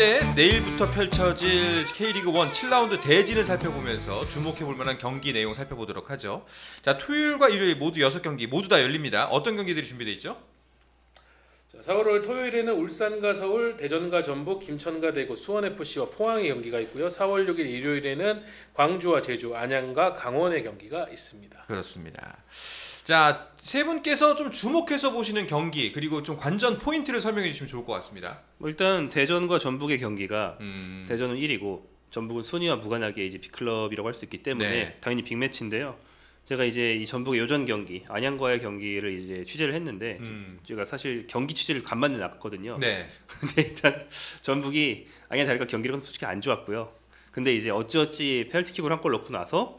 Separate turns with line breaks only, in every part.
번째, 내일부터 펼쳐질 K리그 1 7라운드 대진을 살펴보면서 주목해볼 만한 경기 내용 살펴보도록 하죠. 자, 토요일과 일요일 모두 6경기 모두 다 열립니다. 어떤 경기들이 준비되어 있죠?
자, 4월 5일 토요일에는 울산과 서울, 대전과 전북, 김천과 대구, 수원FC와 포항의 경기가 있고요. 4월 6일 일요일에는 광주와 제주, 안양과 강원의 경기가 있습니다.
그렇습니다. 자, 세 분께서 좀 주목해서 보시는 경기 그리고 좀 관전 포인트를 설명해 주시면 좋을 것 같습니다.
일단 대전과 전북의 경기가 대전은 1위고 전북은 순위와 무관하게 이제 B클럽이라고 할 수 있기 때문에
네.
당연히 빅매치인데요. 제가 이제 이 전북의 요전 경기 안양과의 경기를 이제 취재를 했는데 제가 사실 경기 취재를 간만에 나갔거든요.
네.
근데 일단 전북이 안양 다리가 경기력은 솔직히 안 좋았고요. 근데 이제 어찌어찌 페널티킥으로 한 골 넣고 나서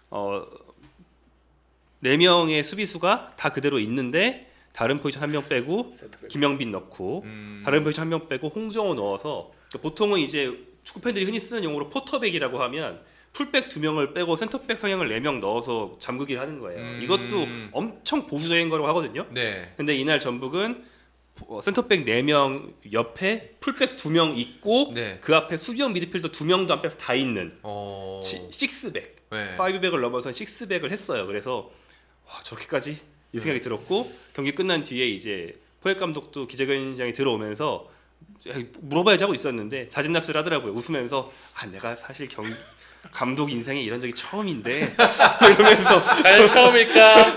4명의 수비수가 다 그대로 있는데 다른 포지션 한 명 빼고 김영빈 넣고 다른 포지션 한 명 빼고 홍정호 넣어서 그러니까 보통은 이제 축구 팬들이 흔히 쓰는 용어로 포터백이라고 하면 풀백 2명을 빼고 센터백 성향을 4명 넣어서 잠그기를 하는 거예요. 이것도 엄청 보수적인 거라고 하거든요.
네.
근데 이날 전북은 센터백 4명 옆에 풀백 2명 있고
네.
그 앞에 수비형 미드필더 2명도 안 빼서 다 있는
어...
6백,
네.
5백을 넘어서 6백을 했어요. 그래서 와, 저렇게까지 이 생각이 들었고 경기 끝난 뒤에 이제 포획 감독도 기자회견장에 들어오면서 물어봐야지 하고 있었는데 자진 납세를 하더라고요. 웃으면서 내가 사실 감독 인생에 이런 적이 처음인데 이러면서
과연 처음일까?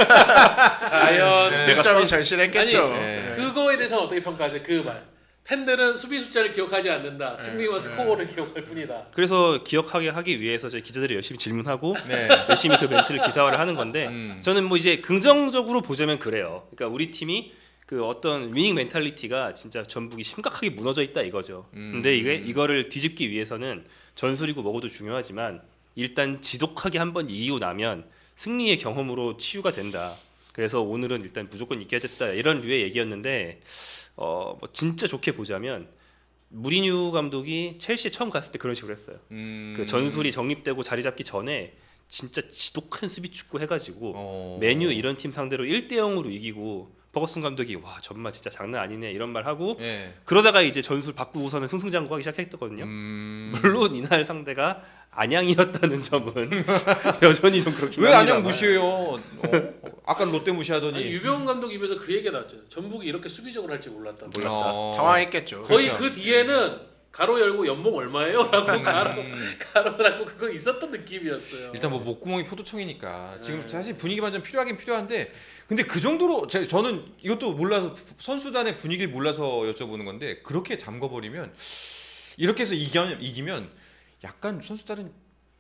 과연
승점이 절실했겠죠.
아니,
네.
그거에 대해서는 어떻게 평가하세요? 그 말. 팬들은 수비 숫자를 기억하지 않는다. 승리와 스코어를 기억할 뿐이다.
그래서 기억하게 하기 위해서 저희 기자들이 열심히 질문하고
네.
열심히 그 멘트를 기사화를 하는 건데 저는 뭐 이제 긍정적으로 보자면 그래요. 그러니까 우리 팀이 그 어떤 위닝 멘탈리티가 진짜 전북이 심각하게 무너져 있다 이거죠. 근데 이거를 뒤집기 위해서는 전술이고 뭐고도 중요하지만 일단 지독하게 한번 이기고 나면 승리의 경험으로 치유가 된다. 그래서 오늘은 일단 무조건 이겨야 됐다 이런 류의 얘기였는데 뭐 진짜 좋게 보자면 무리뉴 감독이 첼시에 처음 갔을 때 그런 식으로 했어요. 그 전술이 정립되고 자리 잡기 전에 진짜 지독한 수비 축구 해가지고 메뉴 이런 팀 상대로 1대0으로 이기고 버거슨 감독이 와 정말 진짜 장난 아니네 이런 말 하고
네.
그러다가 이제 전술 바꾸고서는 승승장구하기 시작했거든요. 물론 이날 상대가 안양이었다는 점은 여전히 좀 그렇긴
왜
합니다만.
안녕 무시해요? 아까 롯데 무시하더니
아니, 유병훈 감독 입에서 그 얘기가 나왔죠. 전북이 이렇게 수비적으로 할지 몰랐다.
당황했겠죠.
거의
그렇죠.
그 뒤에는 가로 열고 연봉 얼마예요? 라고 가로라고 그거 있었던 느낌이었어요.
일단 뭐 목구멍이 포도청이니까 지금 사실 분위기 반전 필요하긴 필요한데 근데 그 정도로 저는 이것도 몰라서 선수단의 분위기를 몰라서 여쭤보는 건데 그렇게 잠궈버리면 이렇게 해서 이기면 약간 선수들은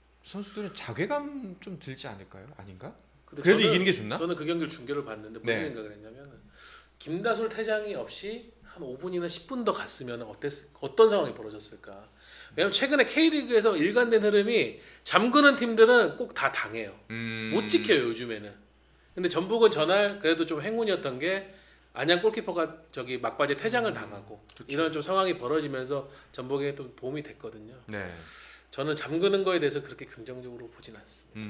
자괴감 좀 들지 않을까요? 아닌가? 그래도 이기는 게 좋나?
저는 그 경기를 중계를 봤는데 무슨
네.
생각을 했냐면 김다솔 퇴장이 없이 한 5분이나 10분 더 갔으면 어떤 상황이 벌어졌을까? 왜냐면 최근에 K리그에서 일관된 흐름이 잠그는 팀들은 꼭 다 당해요. 못 지켜요 요즘에는. 근데 전북은 전날 그래도 좀 행운이었던 게 안양 골키퍼가 저기 막바지에 퇴장을 당하고
그렇죠.
이런 좀 상황이 벌어지면서 전북에 또 도움이 됐거든요.
네.
저는 잠그는 거에 대해서 그렇게 긍정적으로 보진 않습니다.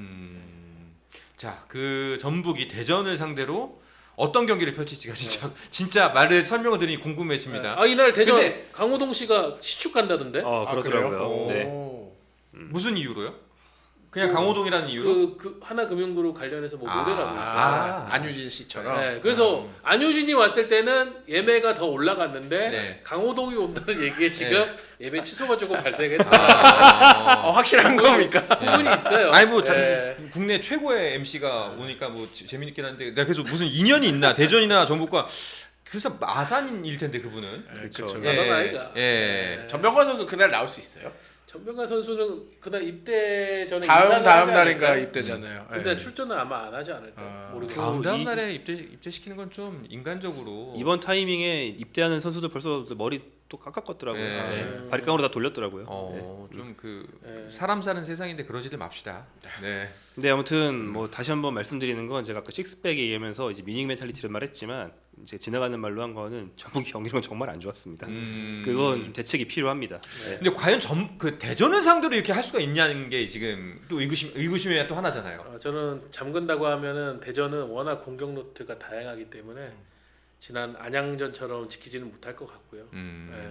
자, 그 전북이 대전을 상대로 어떤 경기를 펼칠지가 진짜 말을 설명을 드리니 궁금해집니다.
이날 대전
근데-
강호동 씨가 시축 간다던데?
그렇더라고요. 네.
무슨 이유로요? 그냥 강호동이라는 이유로?
그 하나금융그룹 관련해서 뭐 모델하고 있고.
안유진 씨처럼.
네, 그래서 안효진이 왔을 때는 예매가 더 올라갔는데
네.
강호동이 온다는 얘기에 지금 예매 취소가 조금 발생했다.
확실한 겁니까?
부분이 있어요.
아니 뭐
네.
국내 최고의 MC가 오니까 뭐 재밌긴 한데 내가 그래서 무슨 인연이 있나 대전이나 전북과 그래서 마산일 텐데 그분은
그렇죠.
나만 아이가.
예.
전병관 선수 그날 나올 수 있어요?
전병관 선수는 그날 입대 전에
다음
인사를 하지
날인가
않을까요?
입대잖아요.
근데
네.
출전은 아마 안 하지 않을까. 모르겠어요.
다음 날에 입대시키는 건 좀 인간적으로
이번 타이밍에 입대하는 선수들 벌써 머리 또 깎았더라고요.
네.
네. 바리깡으로 다 돌렸더라고요.
좀 그
네.
사람 사는 세상인데 그러지들 맙시다. 네.
근데 아무튼 뭐 다시 한번 말씀드리는 건 제가 아까 식스백에 의하면서 이제 미닝 멘탈리티를 말했지만 이제 지나가는 말로 한 거는 전북 경기력은 정말 안 좋았습니다. 그건 좀 대책이 필요합니다. 네.
근데 과연 그 대전을 상대로 이렇게 할 수가 있냐는 게 지금 또 의구심의 또 하나잖아요.
저는 잠근다고 하면은 대전은 워낙 공격 루트가 다양하기 때문에 지난 안양전처럼 지키지는 못할 것 같고요. 네.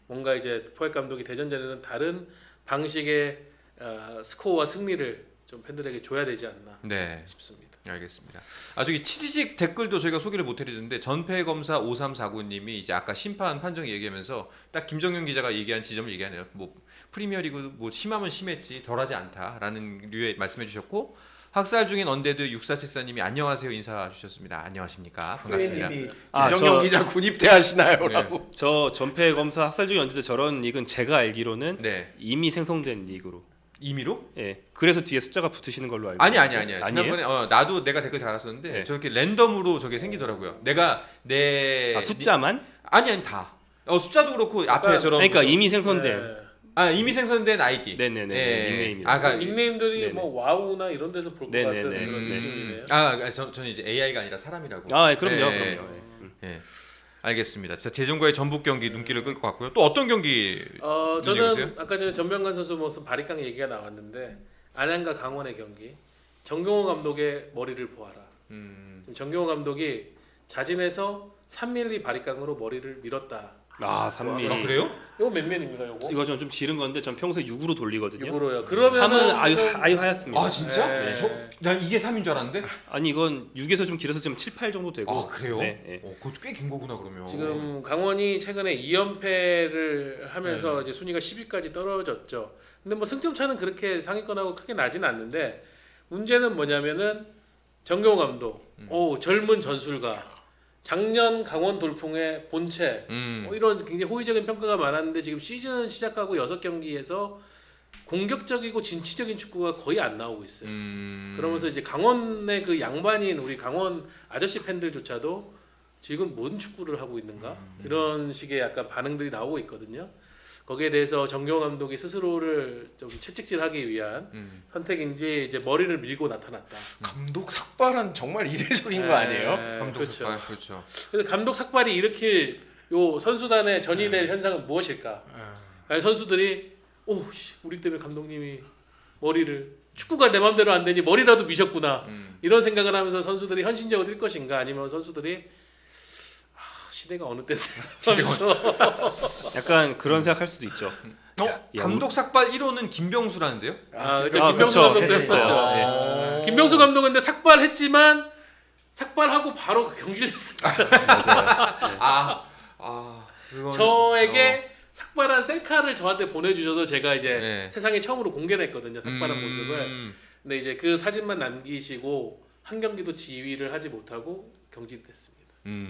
뭔가 이제 포획 감독이 대전전에는 다른 방식의 스코어와 승리를 좀 팬들에게 줘야 되지 않나
네.
싶습니다.
알겠습니다. 저기 치지직 댓글도 저희가 소개를 못 해드렸는데 전패검사 5349님이 이제 아까 심판 판정 얘기하면서 딱 김정윤 기자가 얘기한 지점을 얘기하네요. 뭐 프리미어리그 뭐 심하면 심했지 덜하지 않다라는 류의 말씀해주셨고 학살 중인 언데드 6474님이 안녕하세요 인사 주셨습니다. 안녕하십니까 반갑습니다.
김정경 기자 군입대하시나요?라고.
저 전패 검사 학살 중에 언제든 저런 닉은 제가 알기로는
네.
이미 생성된 닉으로.
임의로?
예. 그래서 뒤에 숫자가 붙으시는 걸로 알고.
아니야.
아니에요?
지난번에 나도 내가 댓글 달았었는데
네.
저렇게 랜덤으로 저게 생기더라고요. 내가 내
숫자만?
아니 다. 숫자도 그렇고 앞에 저런
그러니까
무슨-
이미 생성된.
이미 생성된 아이디.
네네네.
예.
닉네임이라.
그러니까
닉네임들이
네네.
뭐 와우나 이런 데서 볼 것
네네네.
같은 그런
네.
느낌이네요.
저는 이제 AI가 아니라 사람이라고.
그럼요.
예.
그럼요. 예.
예. 알겠습니다. 자, 대전과의 전북 경기 눈길을 끌 것 같고요. 또 어떤 경기?
저는
얘기해주세요.
아까 전에 전병관 선수 무슨 바리깡 얘기가 나왔는데 안양과 강원의 경기 정경호 감독의 머리를 보아라. 지금 정경호 감독이 자진해서 3mm 바리깡으로 머리를 밀었다.
3mm.
그래요?
이거 몇 면입니까? 이거?
이거 좀 지른 건데 전 평소에 6으로 돌리거든요.
6으로요. 그러면
3은 아유 하얗습니다.
진짜?
네.
난 이게 3인 줄 알았는데.
아니 이건 6에서 좀 길어서 지금 7, 8 정도 되고.
그래요?
네, 네.
그것도 꽤 긴 거구나 그러면.
지금 강원이 최근에 2연패를 하면서 이제 순위가 10위까지 떨어졌죠. 근데 뭐 승점 차는 그렇게 상위권하고 크게 나진 않는데 문제는 뭐냐면은 정경호 감독, 젊은 전술가, 작년 강원 돌풍의 본체 이런 굉장히 호의적인 평가가 많았는데 지금 시즌 시작하고 6경기에서 공격적이고 진취적인 축구가 거의 안 나오고 있어요. 그러면서 이제 강원의 그 양반인 우리 강원 아저씨 팬들조차도 지금 뭔 축구를 하고 있는가 이런 식의 약간 반응들이 나오고 있거든요. 거기에 대해서 정경호 감독이 스스로를 좀 채찍질하기 위한 선택인지 이제 머리를 밀고 나타났다.
감독 삭발은 정말 이례적인 거 아니에요?
감독
그렇죠.
삭발, 그렇죠.
그래서 감독 삭발이 일으킬 요 선수단의 전이될 현상은 무엇일까? 아니, 선수들이 우리 때문에 감독님이 머리를 축구가 내 맘대로 안 되니 머리라도 미셨구나 이런 생각을 하면서 선수들이 헌신적으로 뛸 것인가 아니면 선수들이 시대가 어느 때인데 하면서
약간 그런 생각할 수도 있죠.
감독 삭발 1호는 김병수라는데요?
그렇죠. 김병수 감독도
했었어요.
했었죠. 김병수 감독은 근데 삭발했지만 삭발하고 바로 경질했습니다.
맞아요.
그건-
저에게 삭발한 셀카를 저한테 보내주셔서 제가 이제
네.
세상에 처음으로 공개를 했거든요. 삭발한 모습을. 근데 이제 그 사진만 남기시고 한 경기도 지휘를 하지 못하고 경질이 됐습니다.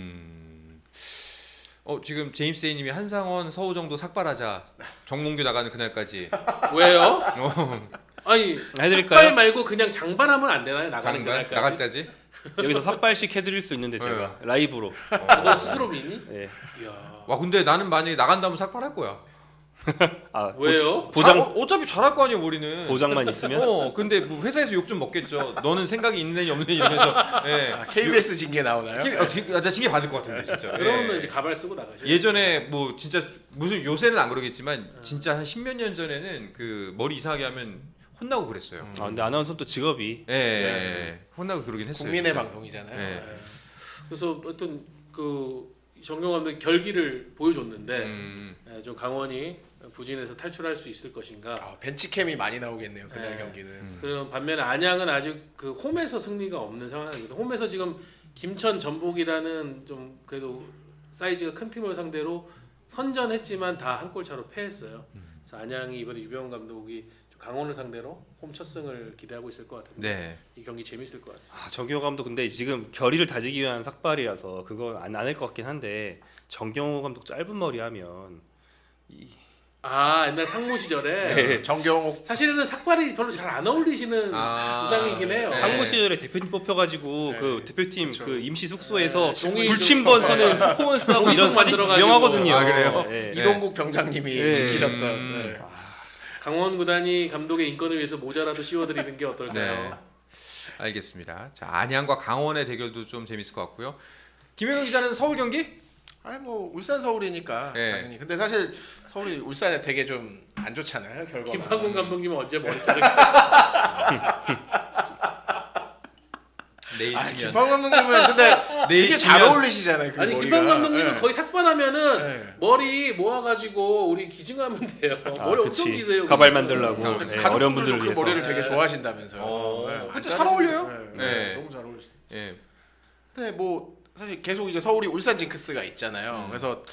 지금 제임스 A님이 한상원 서우정도 삭발하자. 정몽규 나가는 그날까지.
왜요? 아니
해드릴까요?
삭발 말고 그냥 장발하면 안 되나요? 나가는 그날까지?
나갈 때지.
여기서 삭발식 해드릴 수 있는데 제가 라이브로.
너 스스로 미니?
예.
이야.
와 근데 나는 만약에 나간다면 삭발할 거야.
왜요?
어차피 잘할 거 아니야 우리는.
보장만 있으면.
근데 뭐 회사에서 욕 좀 먹겠죠. 너는 생각이 있느니 없느니 이러면서. 예.
KBS 징계 나오나요?
나 징계 받을 것 같은데 진짜.
그러면
예.
이제 가발 쓰고 나가셔요.
예전에 뭐 진짜 무슨 요새는 안 그러겠지만 진짜 한 10몇 년 전에는 그 머리 이상하게 하면 혼나고 그랬어요.
근데 아나운서 또 직업이
예. 혼나고 그러긴 했어요.
국민의
진짜.
방송이잖아요.
예.
네. 그래서 어떤 그 정경 감독이 결기를 보여줬는데 좀 강원이 부진에서 탈출할 수 있을 것인가.
벤치캠이 많이 나오겠네요. 그날
네.
경기는.
그리고 반면에 안양은 아직 그 홈에서 승리가 없는 상황입니다. 홈에서 지금 김천 전북이라는 좀 그래도 사이즈가 큰 팀을 상대로 선전했지만 다 한 골 차로 패했어요. 그래서 안양이 이번에 유병훈 감독이 좀 강원을 상대로 홈 첫 승을 기대하고 있을 것 같은데
네.
이 경기 재밌을 것 같습니다.
정경호 감독 근데 지금 결의를 다지기 위한 삭발이라서 그건 안 할 것 같긴 한데 정경호 감독 짧은 머리 하면
옛날 상무 시절에
네.
정경옥
사실은 삭발이 별로 잘 안 어울리시는 부상이긴 해요.
네.
상무 시절에 대표팀 뽑혀가지고
네.
그 대표팀
그쵸.
그 임시 숙소에서
종이
불침번
좀-
서는 퍼포먼스하고
종이
이런
좀
사진
만들어가지고.
유명하거든요.
아, 그래요?
네.
이동국 병장님이
네.
지키셨던. 네.
강원 구단이 감독의 인권을 위해서 모자라도 씌워드리는 게 어떨까요?
네. 알겠습니다. 자 안양과 강원의 대결도 좀 재밌을 것 같고요. 김영현 기자는 서울 경기?
아니 뭐 울산 서울이니까
네.
당연히. 근데 사실 서울이 울산에 되게 좀 안 좋잖아요 결과가.
김판군 감독님은 언제 머리 자를까?
내일
아
치면
김판 감독님은 근데
내일
되게 잘
치면-
어울리시잖아요. 그
아니
머리가.
김판 감독님은
예.
거의 삭발하면은
예.
머리 모아가지고 우리 기증하면 돼요. 머리 엄청 기세요.
가발
그거.
만들라고.
아,
네,
가족분들도
어려운 분들을
그
위해서.
머리를 되게
네.
좋아하신다면서요.
어.
예,
근데
안
잘 어울려요.
자르시고.
네.
너무 잘 어울리시죠.
예.
근데 뭐 사실 계속 이제 서울이 울산 징크스가 있잖아요.
음.
그래서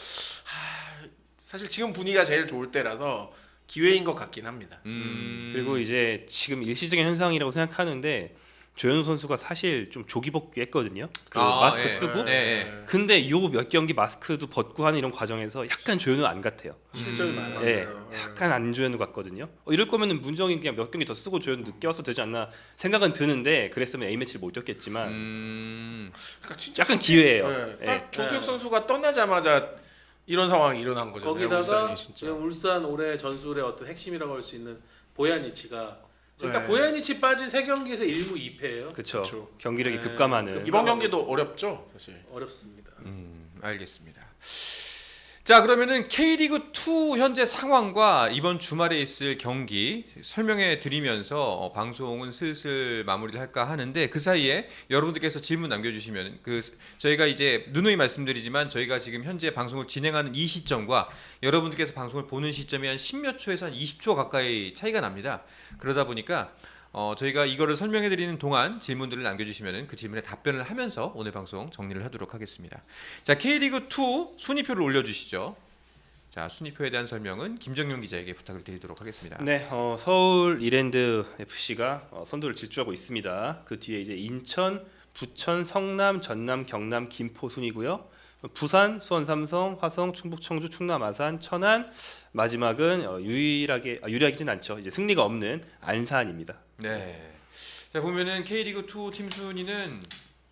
사실 지금 분위기가 제일 좋을 때라서 기회인 것 같긴 합니다.
그리고 이제 지금 일시적인 현상이라고 생각하는데 조현우 선수가 사실 좀 조기 복귀했거든요. 그 마스크
예.
쓰고.
네.
근데 요 몇 경기 마스크도 벗고 하는 이런 과정에서 약간 조현우 안 같아요.
실점이 많아요.
예, 약간 안 조현우 같거든요. 이럴 거면은 문정이 그냥 몇 경기 더 쓰고 조현우 늦게 와서 되지 않나 생각은 드는데 그랬으면 A 매치를 못 뛰었겠지만
그러니까 진짜
약간 기회예요.
네,
예.
딱 조수혁 선수가 떠나자마자 이런 상황이 일어난 거잖아요.
거기다가
울산이 진짜.
지금 울산 올해 전술의 어떤 핵심이라고 할 수 있는 보야니치가 지금 딱
네.
보야니치 빠진 3경기에서 1무 2패예요.
그렇죠.
그쵸.
경기력이
네.
급감하는.
이번 경기도 어렵죠, 사실.
어렵습니다.
알겠습니다. 자, 그러면은 K리그 2 현재 상황과 이번 주말에 있을 경기 설명해 드리면서 방송은 슬슬 마무리를 할까 하는데 그 사이에 여러분들께서 질문 남겨주시면 저희가 이제 누누이 말씀드리지만 저희가 지금 현재 방송을 진행하는 이 시점과 여러분들께서 방송을 보는 시점이 한 10몇 초에서 한 20초 가까이 차이가 납니다. 그러다 보니까 저희가 이거를 설명해 드리는 동안 질문들을 남겨주시면 그 질문에 답변을 하면서 오늘 방송 정리를 하도록 하겠습니다. 자, K리그 2 순위표를 올려주시죠. 자, 순위표에 대한 설명은 김정용 기자에게 부탁을 드리도록 하겠습니다.
네, 서울 이랜드 FC가 선두를 질주하고 있습니다. 그 뒤에 이제 인천, 부천, 성남, 전남, 경남, 김포 순이고요. 부산, 수원, 삼성, 화성, 충북, 청주, 충남, 아산, 천안, 마지막은 유리하진 않죠. 이제 승리가 없는 안산입니다.
네. 자, 보면은 K리그 2 팀 순위는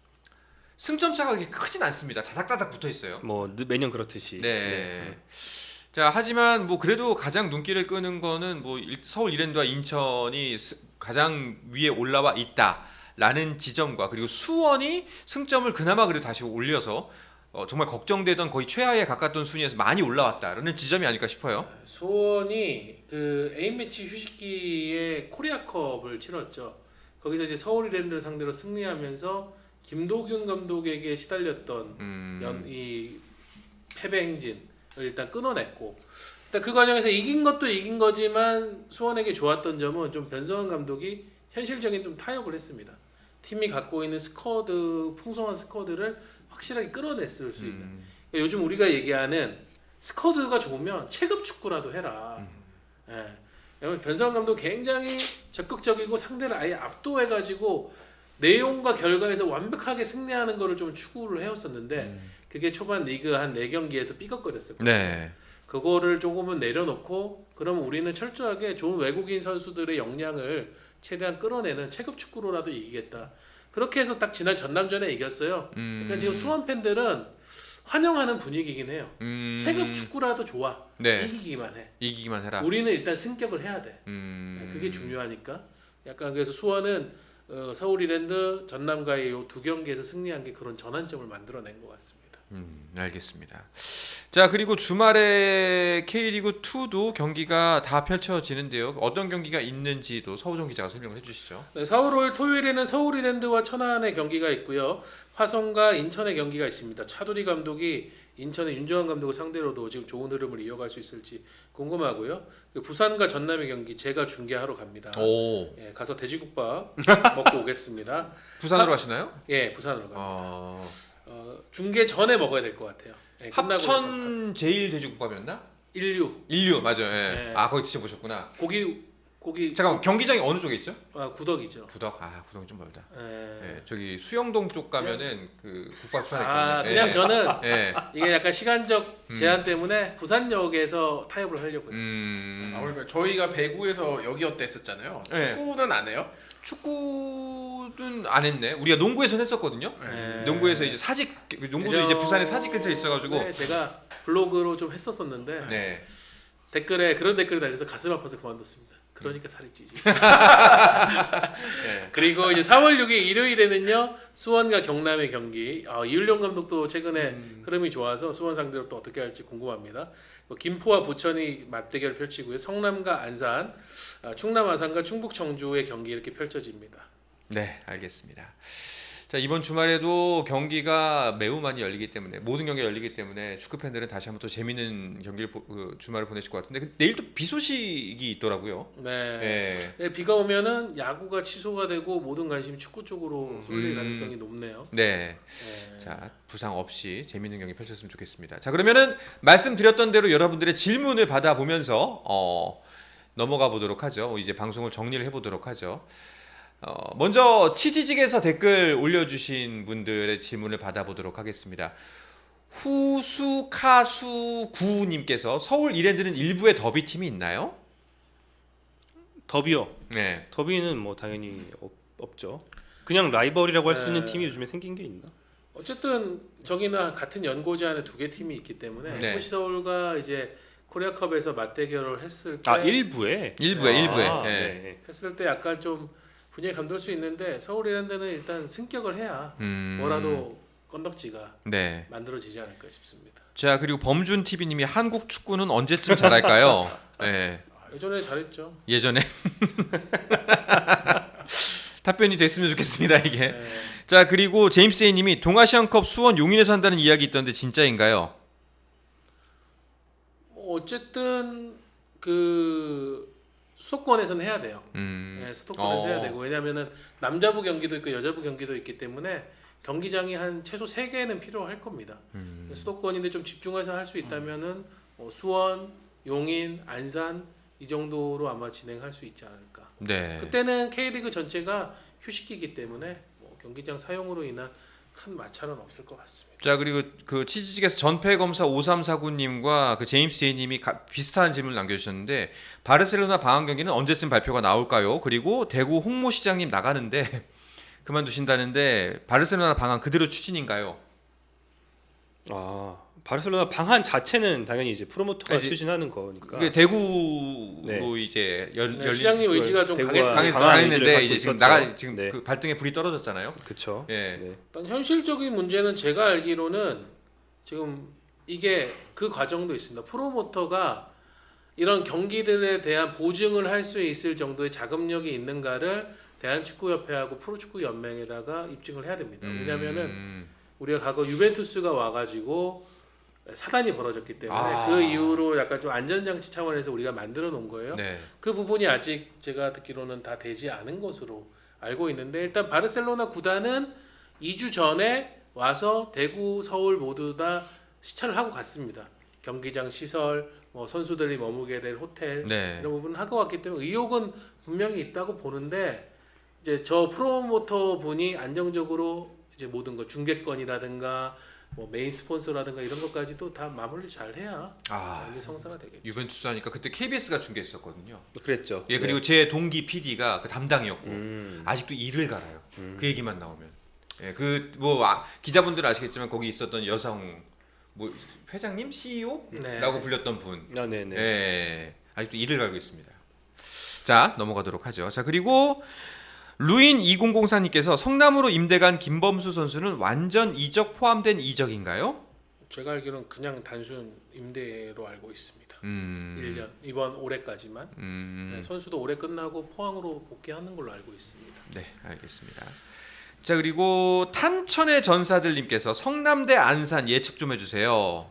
승점 차가 그렇게 크진 않습니다. 다닥다닥 붙어 있어요.
뭐 매년 그렇듯이.
네. 자, 하지만 뭐 그래도 가장 눈길을 끄는 거는 뭐 서울 이랜드와 인천이 가장 위에 올라와 있다라는 지점과 그리고 수원이 승점을 그나마 그래도 다시 올려서 정말 걱정되던 거의 최하에 가깝던 순위에서 많이 올라왔다라는 지점이 아닐까 싶어요.
수원이 그 A매치 휴식기에 코리아컵을 치렀죠. 거기서 이제 서울 이랜드를 상대로 승리하면서 김도균 감독에게 시달렸던 이 패배 행진을 일단 끊어냈고 일단 그 과정에서 이긴 것도 이긴 거지만 수원에게 좋았던 점은 좀 변성환 감독이 현실적인 좀 타협을 했습니다. 팀이 갖고 있는 스쿼드 풍성한 스쿼드를 확실하게 끌어냈을 수 있는. 그러니까 요즘 우리가 얘기하는 스쿼드가 좋으면 체급 축구라도 해라. 예. 왜냐면 변성환 감독 굉장히 적극적이고 상대를 아예 압도해가지고 내용과 결과에서 완벽하게 승리하는 거를 좀 추구를 해왔었는데 그게 초반 리그 한 4경기에서 삐걱거렸어요.
네.
그거를 조금은 내려놓고 그러면 우리는 철저하게 좋은 외국인 선수들의 역량을 최대한 끌어내는 체급 축구로라도 이기겠다. 그렇게 해서 딱 지난 전남전에 이겼어요. 그러니까 지금 수원 팬들은 환영하는 분위기긴 해요. 체급 축구라도 좋아.
네.
이기기만 해.
이기기만 해라.
우리는 일단 승격을 해야 돼. 그게 중요하니까. 약간 그래서 수원은 서울 이랜드 전남과의 이 2경기에서 승리한 게 그런 전환점을 만들어낸 것 같습니다.
알겠습니다. 자, 그리고 주말에 K리그 2도 경기가 다 펼쳐지는데요. 어떤 경기가 있는지도 서우정 기자가 설명을 해주시죠.
네, 4월 5일 토요일에는 서울 이랜드와 천안의 경기가 있고요. 화성과 인천의 경기가 있습니다. 차두리 감독이 인천의 윤정환 감독을 상대로도 지금 좋은 흐름을 이어갈 수 있을지 궁금하고요. 부산과 전남의 경기 제가 중계하러 갑니다.
오.
예, 가서 돼지국밥 먹고 오겠습니다.
부산으로 가시나요?
예, 부산으로 갑니다.
어...
중계 전에 먹어야 될 것 같아요. 예, 끝나고
합천 제일 돼지국밥이었나? 인류 맞아요. 예.
네.
아, 거기 드셔 보셨구나.
고기
잠깐 경기장이 어느 쪽에 있죠?
구덕이죠.
구덕. 아, 구덕이 좀 멀다.
예.
예, 저기 수영동 쪽 가면은 그 국밥 편에
아,
있거든요.
그냥
예.
저는
예.
이게 약간 시간적 제한 때문에 부산역에서 타협을 하려고요.
그러니까 저희가 배구에서 여기였다 했었잖아요.
네.
축구는 안 해요?
축구는 안 했네. 우리가 농구에서 했었거든요.
네.
농구에서 이제 사직 농구도
예전에
이제 부산에 사직 근처에 있어가지고.
네, 제가 블로그로 좀 했었었는데
네.
댓글에 그런 댓글이 달려서 가슴 아파서 그만뒀습니다. 그러니까 살이 찌지.
네.
그리고 이제 4월 6일 일요일에는요 수원과 경남의 경기. 이윤룡 감독도 최근에 흐름이 좋아서 수원 상대로 또 어떻게 할지 궁금합니다. 김포와 부천이 맞대결 펼치고요. 성남과 안산, 충남 아산과 충북 청주의 경기 이렇게 펼쳐집니다.
네, 알겠습니다. 자, 이번 주말에도 경기가 매우 많이 열리기 때문에 모든 경기가 열리기 때문에 축구 팬들은 다시 한번 또 재밌는 경기를 주말을 보내실 것 같은데 내일 또 비 소식이 있더라고요.
네.
예.
내일 비가 오면은 야구가 취소가 되고 모든 관심이 축구 쪽으로 쏠릴 가능성이 높네요.
네.
네.
자, 부상 없이 재밌는 경기 펼쳤으면 좋겠습니다. 자, 그러면은 말씀드렸던 대로 여러분들의 질문을 받아보면서 넘어가 보도록 하죠. 이제 방송을 정리를 해보도록 하죠. 먼저 치지직에서 댓글 올려주신 분들의 질문을 받아보도록 하겠습니다. 후수카수구님께서 서울 이랜드는 일부의 더비팀이 있나요?
더비요.
네.
더비는 뭐 당연히 없죠. 그냥 라이벌이라고 할 수 있는
네.
팀이 요즘에 생긴 게 있나?
어쨌든 저기나 같은 연고지 안에 두 개 팀이 있기 때문에
네.
FC 서울과 이제 코리아컵에서 맞대결을 했을 때
일부에?
일부에.
아,
예.
네.
했을 때 약간 좀 분위기 감돌 수 있는데 서울 이랜드는 일단 승격을 해야 뭐라도 건덕지가
네.
만들어지지 않을까 싶습니다.
자, 그리고 범준 TV님이 한국 축구는 언제쯤 잘할까요? 네.
예전에 잘했죠.
예전에 답변이 됐으면 좋겠습니다 이게.
네.
자, 그리고 제임스 A님이 동아시안컵 수원 용인에서 한다는 이야기 있던데 진짜인가요?
어쨌든 그 수도권에서는 해야 돼요. 네, 수도권에서 해야 되고 왜냐하면은 남자부 경기도 있고 여자부 경기도 있기 때문에 경기장이 한 최소 3개는 필요할 겁니다. 수도권인데 좀 집중해서 할 수 있다면은 수원, 용인, 안산 이 정도로 아마 진행할 수 있지 않을까.
네.
그때는 K리그 전체가 휴식기이기 때문에 뭐 경기장 사용으로 인한 큰 마찰은 없을 것 같습니다.
자, 그리고 그 치즈직에서 전패검사 5349님과 그 제임스 J님이 비슷한 질문을 남겨주셨는데 바르셀로나 방한 경기는 언제쯤 발표가 나올까요? 그리고 대구 홍모 시장님 나가는데 그만두신다는데 바르셀로나 방한 그대로 추진인가요?
바르셀로나 방한 자체는 당연히 이제 프로모터가
이제
추진하는 거니까.
그게 대구로
네.
이제
네,
열린
시장님 의지가 좀
대구가
강했습니다.
강한 의지를
강했는데
갖고
이제 지금
있었죠.
지금
네.
그 발등에 불이 떨어졌잖아요.
그렇죠.
예.
네.
일단 현실적인 문제는 제가 알기로는 지금 이게 그 과정도 있습니다. 프로모터가 이런 경기들에 대한 보증을 할 수 있을 정도의 자금력이 있는가를 대한축구협회하고 프로축구연맹에다가 입증을 해야 됩니다. 왜냐하면은 우리가 과거 유벤투스가 와가지고 사단이 벌어졌기 때문에 그 이후로 약간 좀 안전장치 차원에서 우리가 만들어 놓은 거예요.
네.
그 부분이 아직 제가 듣기로는 다 되지 않은 것으로 알고 있는데 일단 바르셀로나 구단은 2주 전에 와서 대구, 서울 모두 다 시찰을 하고 갔습니다. 경기장 시설, 뭐 선수들이 머무게 될 호텔
네.
이런 부분을 하고 왔기 때문에 의혹은 분명히 있다고 보는데 이제 저 프로모터 분이 안정적으로 이제 모든 거 중계권이라든가 뭐 메인 스폰서라든가 이런 것까지도 다 마무리 잘 해야 완전 성사가 되겠죠.
유벤투스 하니까 그때 KBS가 중계했었거든요.
그랬죠.
예, 그리고 제 동기 PD가 그 담당이었고
음.
아직도 이를 갈아요. 그 얘기만 나오면. 예, 그 뭐 기자분들 아시겠지만 거기 있었던 여성 뭐 회장님, CEO라고
네.
불렸던 분.
네네.
예, 아직도 이를 갈고 있습니다. 자, 넘어가도록 하죠. 자, 그리고 루인 2004님께서 성남으로 임대간 김범수 선수는 완전 이적 포함된 이적인가요?
제가 알기로는 그냥 단순 임대로 알고 있습니다. 1년 이번 올해까지만 네, 선수도 올해 끝나고 포항으로 복귀하는 걸로 알고 있습니다.
네, 알겠습니다. 자, 그리고 탄천의 전사들님께서 성남대 안산 예측 좀 해주세요.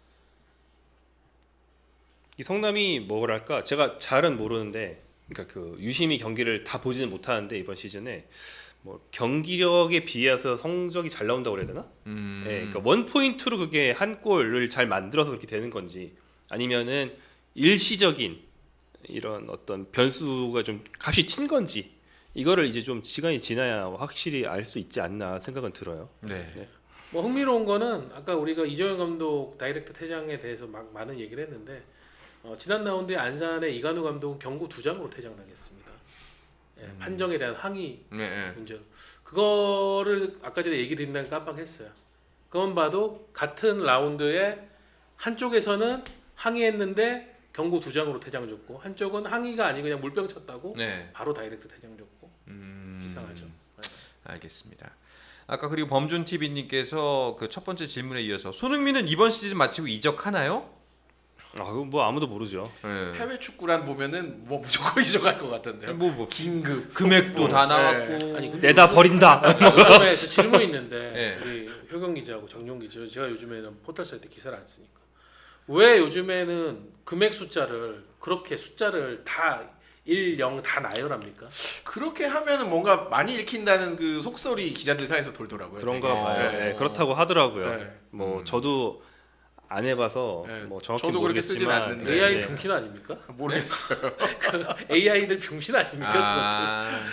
이 성남이 뭐랄까 제가 잘은 모르는데, 그러니까 그 유심히 경기를 다 보지는 못하는데 이번 시즌에 뭐 경기력에 비해서 성적이 잘 나온다고 그래야 되나? 네, 그러니까 원 포인트로 그게 한 골을 잘 만들어서 그렇게 되는 건지, 아니면은 일시적인 이런 어떤 변수가 좀 값이 튄 건지, 이거를 이제 좀 시간이 지나야 확실히 알 수 있지 않나 생각은 들어요.
네.
네.
뭐 흥미로운 거는 아까 우리가 이정현 감독 다이렉트 퇴장에 대해서 막 많은 얘기를 했는데 지난 라운드에 안산의 이관우 감독은 경고 2장으로 퇴장당했습니다. 예, 판정에 대한 항의
네.
문제로 그거를 아까 전에 얘기 드린다는 깜빡했어요. 그건 봐도 같은 라운드에 한쪽에서는 항의했는데 경고 2장으로 퇴장 줬고 한쪽은 항의가 아니고 그냥 물병 쳤다고
네.
바로 다이렉트 퇴장 줬고 이상하죠. 네.
알겠습니다. 아까 그리고 범준 TV님께서 그 첫 번째 질문에 이어서 손흥민은 이번 시즌 마치고 이적하나요?
그거 뭐 아무도 모르죠.
예.
해외 축구란 보면은 뭐 무조건 이적할 것 같은데요.
뭐
긴급
금액도 다
네.
나왔고.
아니, 근데
내다 버린다.
요즘에 저 질문 있는데
네.
우리 효경 기자하고 정용 기자, 제가 요즘에는 포털 사이트 기사를 안 쓰니까 왜 요즘에는 금액 숫자를 그렇게 숫자를 다 1, 0 다 나열합니까?
그렇게 하면은 뭔가 많이 읽힌다는 그 속설이 기자들 사이에서 돌더라고요.
그런가
되게.
봐요.
네.
네, 그렇다고 하더라고요.
네.
뭐 저도 안 해봐서
네.
뭐 정확히
저도 그렇게 쓰진
모르겠지만
않는데.
AI
네.
병신 아닙니까?
모르겠어요.
그 AI들 병신 아닙니까?
아,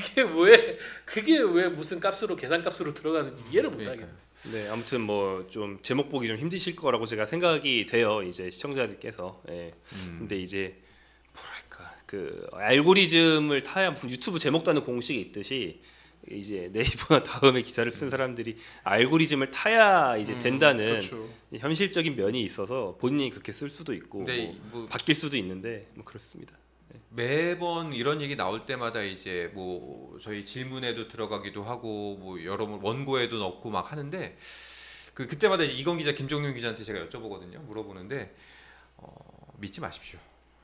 그게 왜 무슨 값으로 계산값으로 들어가는지 이해를 못 하겠네.
네, 아무튼 뭐 좀 제목 보기 좀 힘드실 거라고 제가 생각이 돼요. 이제 시청자들께서. 예. 근데 이제 뭐랄까 그 알고리즘을 타야 무슨 유튜브 제목 다는 공식이 있듯이 이제 네이버나 다음에 기사를 쓴 사람들이 알고리즘을 타야 이제 된다는
그렇죠.
현실적인 면이 있어서 본인이 그렇게 쓸 수도 있고
근데
뭐 바뀔 수도 있는데 뭐 그렇습니다.
매번 이런 얘기 나올 때마다 이제 뭐 저희 질문에도 들어가기도 하고 뭐 여러 원고에도 넣고 막 하는데 그때마다 이건 기자, 김종윤 기자한테 제가 여쭤보거든요. 물어보는데 믿지 마십시오.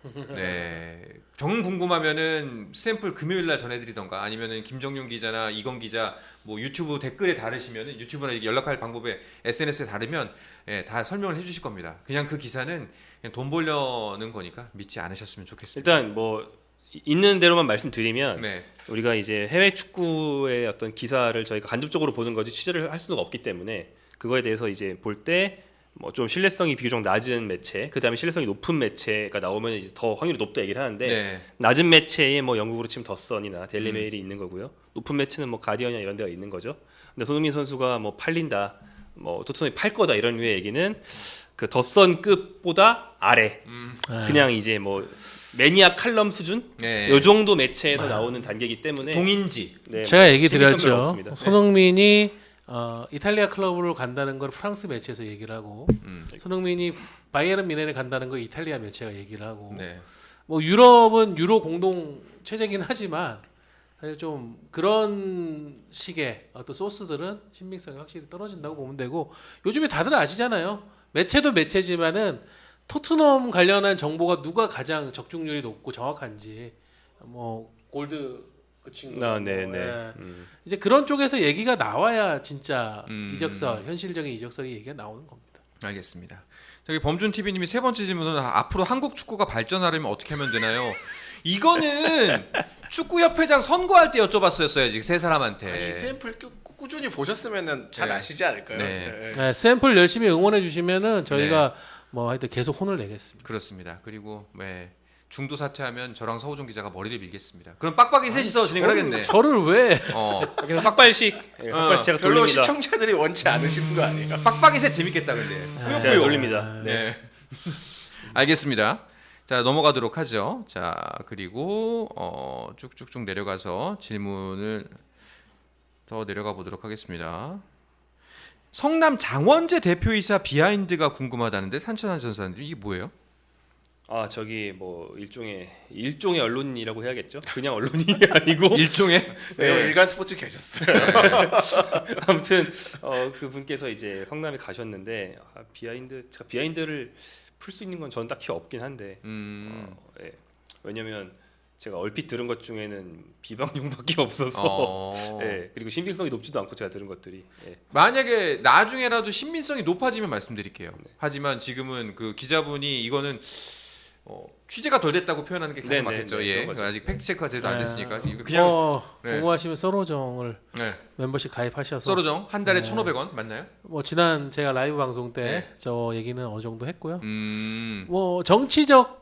네, 정 궁금하면은 샘플 금요일 날 전해드리던가 아니면은 김정윤 기자나 이건 기자 뭐 유튜브 댓글에 다르시면은 유튜브나 연락할 방법에 SNS에 다르면 예, 다 설명을 해주실 겁니다. 그냥 그 기사는 그냥 돈 벌려는 거니까 믿지 않으셨으면 좋겠습니다.
일단 뭐 있는 대로만 말씀드리면
네,
우리가 이제 해외 축구의 어떤 기사를 저희가 간접적으로 보는 거지 취재를 할 수는 없기 때문에 그거에 대해서 이제 볼 때 뭐 좀 신뢰성이 비교적 낮은 매체, 그 다음에 신뢰성이 높은 매체가 나오면 이제 더 확률이 높다 얘기를 하는데
네.
낮은 매체에 뭐 영국으로 치면 더선이나 데일리메일이 있는 거고요. 높은 매체는 뭐 가디언이나 이런 데가 있는 거죠. 근데 손흥민 선수가 뭐 팔린다, 뭐 토트넘이 팔 거다 이런 류의 얘기는 그 더선급보다 아래, 그냥 이제 뭐 매니아 칼럼 수준,
네.
요 정도 매체에서 나오는 단계이기 때문에
동인지.
네,
제가 얘기
신빙성이
드렸죠.
없습니다.
손흥민이 이탈리아 클럽으로 간다는 걸 프랑스 매체에서 얘기를 하고 손흥민이 바이에른 미넨에 간다는 걸 이탈리아 매체가 얘기를 하고
네.
뭐 유럽은 유로 공동 체제긴 하지만 사실 좀 그런 식의 어떤 소스들은 신빙성이 확실히 떨어진다고 보면 되고 요즘에 다들 아시잖아요. 매체도 매체지만은 토트넘 관련한 정보가 누가 가장 적중률이 높고 정확한지 뭐 골드 그 친구
네네.
예. 이제 그런 쪽에서 얘기가 나와야 진짜 이적설 현실적인 이적설이 얘기가 나오는 겁니다.
알겠습니다. 저기 범준 TV님이 세 번째 질문은 앞으로 한국 축구가 발전하려면 어떻게 하면 되나요? 이거는 축구협회장 선거할 때 여쭤봤어야지 세 사람한테.
아니, 샘플 꾸준히 보셨으면은 잘
네.
아시지 않을까요?
네.
네.
네, 샘플 열심히 응원해 주시면은 저희가 뭐 하여튼 계속 혼을 내겠습니다.
그렇습니다. 그리고 중도 사퇴하면 저랑 서우정 기자가 머리를 밀겠습니다. 그럼 빡빡이 셋이서 진행을 하겠네.
저를 왜
그래서 삭발식, 삭발식 제가
별로
돌립니다.
시청자들이 원치 않으시는 거 아니에요?
빡빡이 셋 재밌겠다 근데.
제가
뿌요뿌요.
돌립니다.
네. 알겠습니다. 자 넘어가도록 하죠. 자 그리고 쭉쭉쭉 내려가서 질문을 더 내려가 보도록 하겠습니다. 성남 장원재 대표이사 비하인드가 궁금하다는데 산천한 전사님 이게 뭐예요?
저기 뭐 일종의 언론이라고 해야겠죠. 그냥 언론이 아니고
일종의
네. 일간 스포츠 계셨어요.
아무튼 그 분께서 이제 성남에 가셨는데 제가 비하인드를 풀 수 있는 건 저는 딱히 없긴 한데 예. 왜냐면 제가 얼핏 들은 것 중에는 비방용밖에 없어서 예. 그리고 신빙성이 높지도 않고 제가 들은 것들이
만약에 나중에라도 신빙성이 높아지면 말씀드릴게요. 하지만 지금은 그 기자분이 이거는 취재가 덜 됐다고 표현하는 게 가장
네네,
맞겠죠.
네,
예.
그런 거죠.
아직 팩트 체크가 제대로 안
네.
됐으니까 이거 그냥 네.
궁금하시면 서로정을
네.
멤버십 가입하셔서
서로정 한 달에
네.
1,500원 맞나요?
뭐 지난 제가 라이브 방송 때
네.
저 얘기는 어느 정도 했고요.
음.
뭐 정치적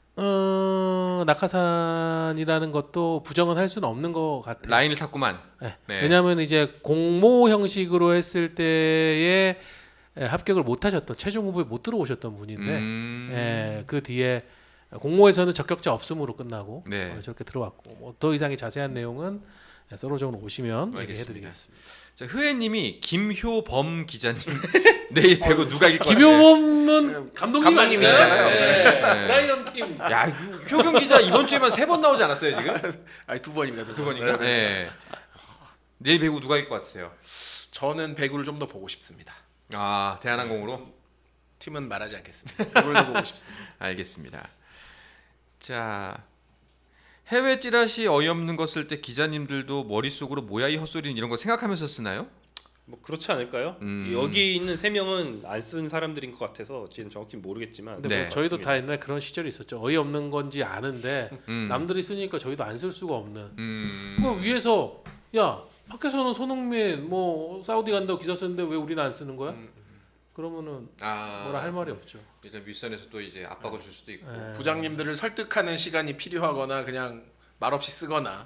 낙하산이라는 것도 부정은 할 수는 없는 것 같아요.
라인을 탔구만.
네.
네.
왜냐하면 이제 공모 형식으로 했을 때에 합격을 못 하셨던 최종 후보에 못 들어오셨던 분인데 그 뒤에 공모에서는 적격자 없음으로 끝나고
네.
저렇게 들어왔고 뭐 더 이상의 자세한 내용은 서로적으로 오시면
알겠습니다.
얘기해드리겠습니다.
자, 흐애님이 김효범 기자님 내일 배구 누가 이길 거야?
김효범은
감독님이시잖아요.
네.
네.
라이언 팀.
야 효경 기자 이번 주에만 3번 나오지 않았어요 지금?
아니 2번입니다.
두 번인가? 네. 내일 배구 누가 이길 것 같으세요?
저는 배구를 좀 더 보고 싶습니다.
아 대한항공으로?
팀은 말하지 않겠습니다. 그걸로 보고 싶습니다.
알겠습니다. 자, 해외 찌라시 어이없는 거 쓸 때 기자님들도 머릿속으로 뭐야 이 헛소리는 이런 거 생각하면서 쓰나요?
뭐 그렇지 않을까요? 여기 있는 3명은 안 쓴 사람들인 것 같아서 지금 정확히 모르겠지만
근데
네.
뭐 저희도
맞습니다.
다 옛날 그런 시절이 있었죠. 어이없는 건지 아는데
음.
남들이 쓰니까 저희도 안 쓸 수가 없는.
음.
그 위에서 야 밖에서는 손흥민 뭐 사우디 간다고 기사 쓰는데 왜 우리는 안 쓰는 거야? 그러면은 뭐라 할 말이 없죠.
일단 윗선에서 또 이제 압박을 줄 수도 있고.
예.
부장님들을 설득하는 시간이 필요하거나 그냥 말없이 쓰거나.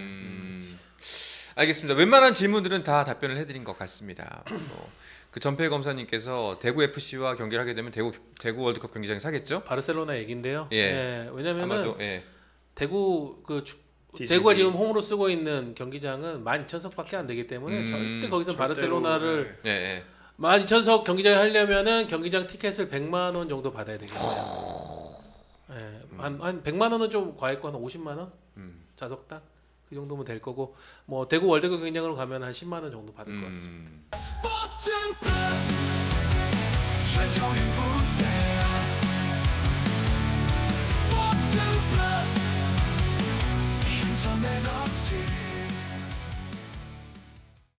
알겠습니다. 웬만한 질문들은 다 답변을 해드린 것 같습니다. 그 전필 검사님께서 대구 FC와 경기를 하게 되면 대구 월드컵 경기장에 사겠죠?
바르셀로나 얘긴데요.
예.
왜냐면은
아마도 예.
대구
DCB.
대구가 지금 홈으로 쓰고 있는 경기장은 12,000석밖에 안 되기 때문에 절대 거기서
절대로,
바르셀로나를
예, 예.
12,000석 경기장에 하려면은 경기장 티켓을 100만 원 정도 받아야 되겠네요. 예, 한 100만 원은 좀 과했고 한 50만 원 좌석당 그 정도면 될 거고 뭐 대구 월드컵 경기장으로 가면 한 10만 원 정도 받을 것 같습니다.
스포츠 플러스 한정의 무대 스포츠 플러스 인터넷 없이